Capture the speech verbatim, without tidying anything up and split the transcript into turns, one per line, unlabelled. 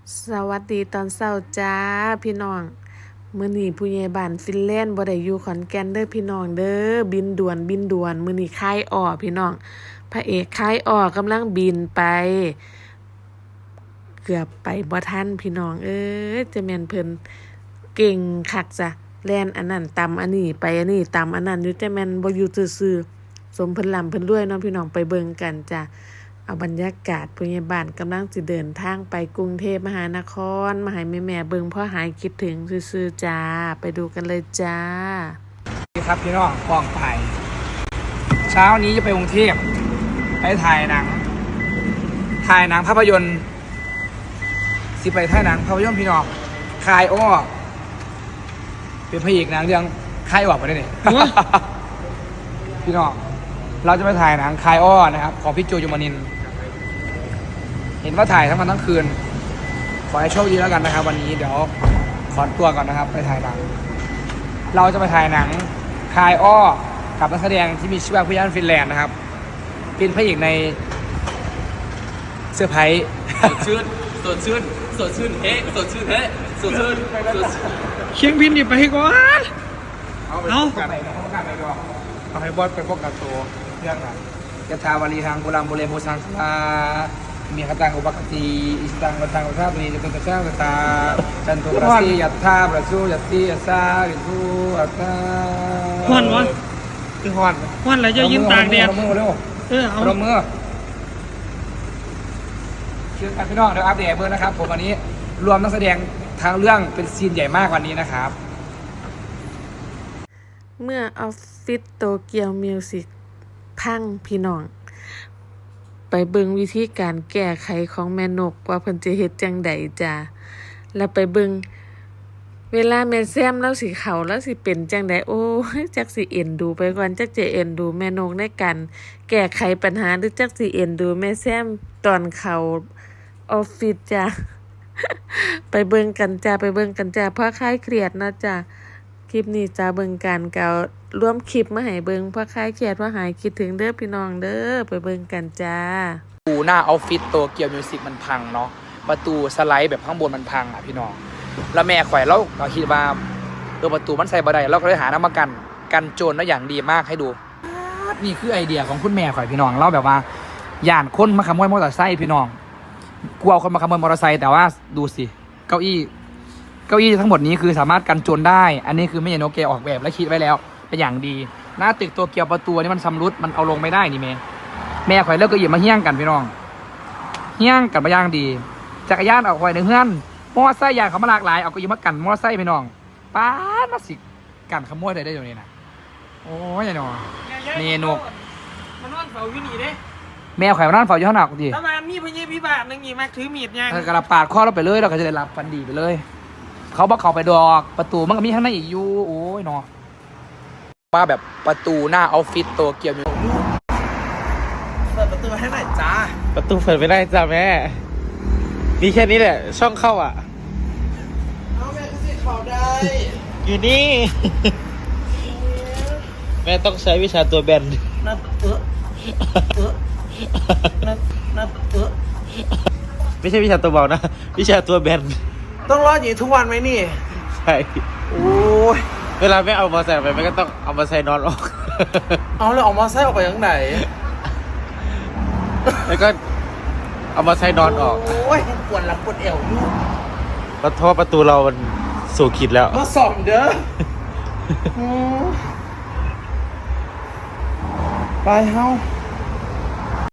สวัสดีตอนเช้าจ้าพี่น้องมื้อนี้ผู้ใหญ่บ้านฟินแลนด์บ่ได้อยู่ขอนแก่นเด้อพี่น้องเด้อบินด่วนบินด่วนมื้อนี้ค่ายอ้อพี่น้องพระเอกค่ายอ้อกำลังบินไปเกือบไปบ่ทันพี่น้องเอ้ยจะแม่นเพิ่นเก่งคักจ้ะแล่นอันนั้นตำอันนี้ไปอันนี้ตำอันนั้นอยู่แต่แม่นบ่อยู่ซื่อๆสมเพิ่นร่ำเพิ่นรวยเนาะพี่น้องไปเบิ่งกันจ้ะเอาบรรยากาศผู้ใหญ่บ้านกำลังสิเดินทางไปกรุงเทพมหานครมาให้แม่ๆเบิ่งเพราะหายคิดถึงซื่อๆจ้าไปดูกันเลยจ้า
สวัสดีครับพี่น้องกองถ่ายเช้านี้จะไปกรุงเทพไปถ่ายหนังถ่ายหนังภาพยนตร์สิไปถ่ายหนังภาพยนตร์พี่น้องคายอ้อเป็นพระเอกหนังเรื่องคายอ้อไปได้เนี่ย พี่น้องเราจะไปถ่ายหนังคายอ้อนะครับของพี่โจยมนินทร์เห็นว่าถ่ายทั้งวันทั้งคืนขอให้โชคดีแล้วกันนะครับวันนี้เดี๋ยวขอตัวก่อนนะครับไปถ่ายหนังเราจะไปถ่ายหนังคายอ้อกับนักแสดงที่มีชื่อว่าพี่ยันฟินแลนด์นะครับเป็นพระเอกในเซอร์ไพรส์
สดชื่นสดชื่นสดชื่นเฮ้สดชื่นเฮ้สดชื่นสดชื่น
เชียงบินอยู่ไปก่อนเอาไปพบกันพบกันไปก่อนเอาให้บอสไปพบกับตัวเรื่องนั้นยะถาวารีทางโบราณโบเรโบสังคามีคตังอุปกติอิสตังวัตังวัฏบุรีจตุตะเจ้าตาจันทุปราศียัตถาประสูยัตติยัสสาริสุอัตตา
ฮ้อนวะ
คือฮอน
ฮ้อนแล้วจะยืนตากแดด
เอามือเร็ว
เออเอา
เอามือเชื่อกันพี่น้องเดี๋ยวอัปเดตเบอร์นะครับผมวันนี้รวมนักแสดงทางเรื่องเป็นซีนใหญ่มากวันนี้นะครับ
เมื่อออฟฟิศโตเกียวมิวสิกพังพี่น้องไปเบิ่งวิธีการแก้ไขของแม่นกว่าเพิ่นจะเฮ็ดจังใดจ้าแล้วไปเบิ่งเวลาแม่แซมแล้วสิเข้าแล้วสิเป็นจังใดโอ้ยจักสิเอ็นดูไปก่อนจักจะเอ็นดูแม่นกในการแก้ไขปัญหาหรือจักสิเอ็นดูแม่แซมตอนเข้าออฟฟิศจ้า ไปเบิ่งกันจ้าไปเบิ่งกันจ้าเพราะคลายเครียดนะจ้าคลิปนี้จ้าเบิ่งกันเก่าร่วมคลิปมาให้เบิ่งเพราะคลายเครียดเพราะหายคิดถึงเด้อพี่น้องเด้อไปเบิ่งกันจ้า
ประตูหน้าออฟฟิศโตเกียวมิวสิกมันพังเนาะประตูสไลด์แบบข้างบนมันพังอ่ะพี่น้องแล้วแม่ข่อยเราเราคิดว่าเออประตูมันใส่บ่ได้เราก็เลยหาน้ำมากันกันโจรแล้วอย่างดีมากให้ดูนี่คือไอเดียของคุณแม่ข่อยพี่น้องเราแบบว่าย่านคนมาขโมยมอเตอร์ไซค์พี่น้องกลัวคนมาขโมยมอเตอร์ไซค์แต่ว่าดูสิเก้าอี้เก้าอี้ทั้งหมดนี้คือสามารถกันโจรได้อันนี้คือแม่ยายโนเกะออกแบบและคิดไว้แล้วเป็นอย่างดีหน้าตึกโตเกียวประตูนี่มันชำรุดมันเอาลงไม่ได้นี่แม่แม่ข่อยเลิกก็หยิบมาเฮี้ยงกันพี่น้องเฮี้ยงกันมาย่างดีจักรยานออกไว้ในเฮือนมอไซค์ยางเขามาหลากหลายเอาก็ยิบมากันมอไซค์พี่น้องป้าดมาสิกันขโมยได้ได้อยู่นี่นะโอ้ยยายนอเมนู
มันนอนเฝ้าอยู่นี่เด้
แม่ข่อยมานั่งเฝ้าอยู่ข้างนอกดิ
ถ้ามามีพญาพิบาทนึงนี่มาถือมีดยัง
ถ้ากระปาดข้อเราไปเลยเราก็จะได้รับฟันดีไปเลย เขาบอกเขาไปดอกประตูมันก็มีข้างในอีกอยู่โอ้ยนอว่าแบบประตูหน้าออฟฟิศโตเกียว
เปิดประตูให้หน่อยจ้า
ประตูเปิดไม่ได้จ้าแม่มีแค่นี้แหละช่องเข้าอ่ะ
เอาแม่ก็สิเขาได้
อยู่นี่ แม่ต้องใช้วิชาตัวแบน
นับเออเออนับนับเออ
ไม่ใช่วิชาตัวเบานะ วิชาตัวแบน
ต้องรอดอย่างนี้ทุกวันไหมนี่
ใช่
โอ้ย
เวลาแม่เอามาใส่ไปแม่ก็ต้องเอามาใส่นอนออก
เอาเลยออกมาไส้ออกไปยังไหน
แล้วก็เอามาใส่นอนออก
โอ้ยปวดหลังปวดเอวอยู่
เพราะท่อประตูเรามันสู่ขีดแล้ว
มาส่อมเด้ออืมไปเฮ้า